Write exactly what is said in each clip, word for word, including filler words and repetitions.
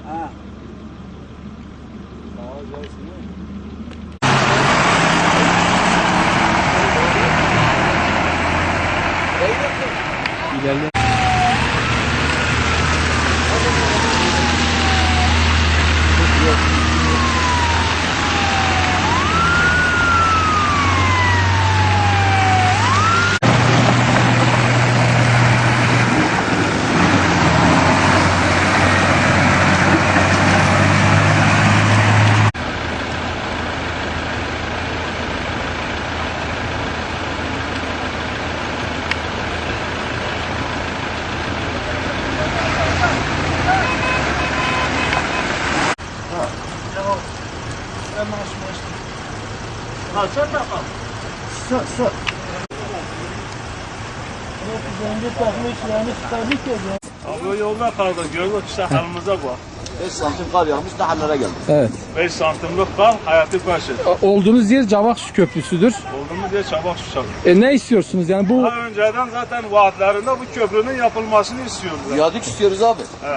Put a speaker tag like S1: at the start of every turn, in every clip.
S1: Ha. Sağ ol,
S2: İlerle.
S1: Ha, sen de kal.
S3: Su, su.
S1: Abi yolda kaldık. Gördük işte halimize bak.
S4: beş santim kar yağmış da hallere geldi.
S2: Evet.
S1: beş santimlik kar hayatı karşı.
S2: Olduğunuz yer Cavaksu Köprüsü'dür.
S1: Olduğumuz yer çabuk susam.
S2: E ne istiyorsunuz yani bu?
S1: Daha önceden zaten vaatlerinde bu köprünün yapılmasını istiyoruz.
S4: Viyadük istiyoruz abi.
S1: He.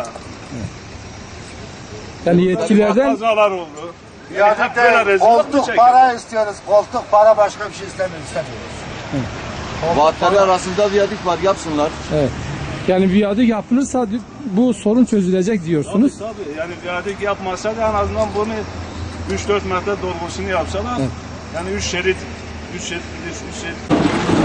S2: Yani yetkililerden
S1: Kazalar oldu. Yani hep böyle
S3: Viyadükte
S1: rezillik mi
S3: koltuk
S1: çekiyor?
S3: para istiyoruz. Koltuk para, başka bir şey istemiyoruz. istemiyoruz.
S4: Vaatleri arasında viyadük var, yapsınlar.
S2: evet. Yani viyadük yapılırsa bu sorun çözülecek diyorsunuz.
S1: Tabii tabii. Yani viyadük yapmasa da en azından bunu üç dört metre dolgusunu yapsalar.
S2: Evet.
S1: Yani üç şerit, üç şerit, üç şerit.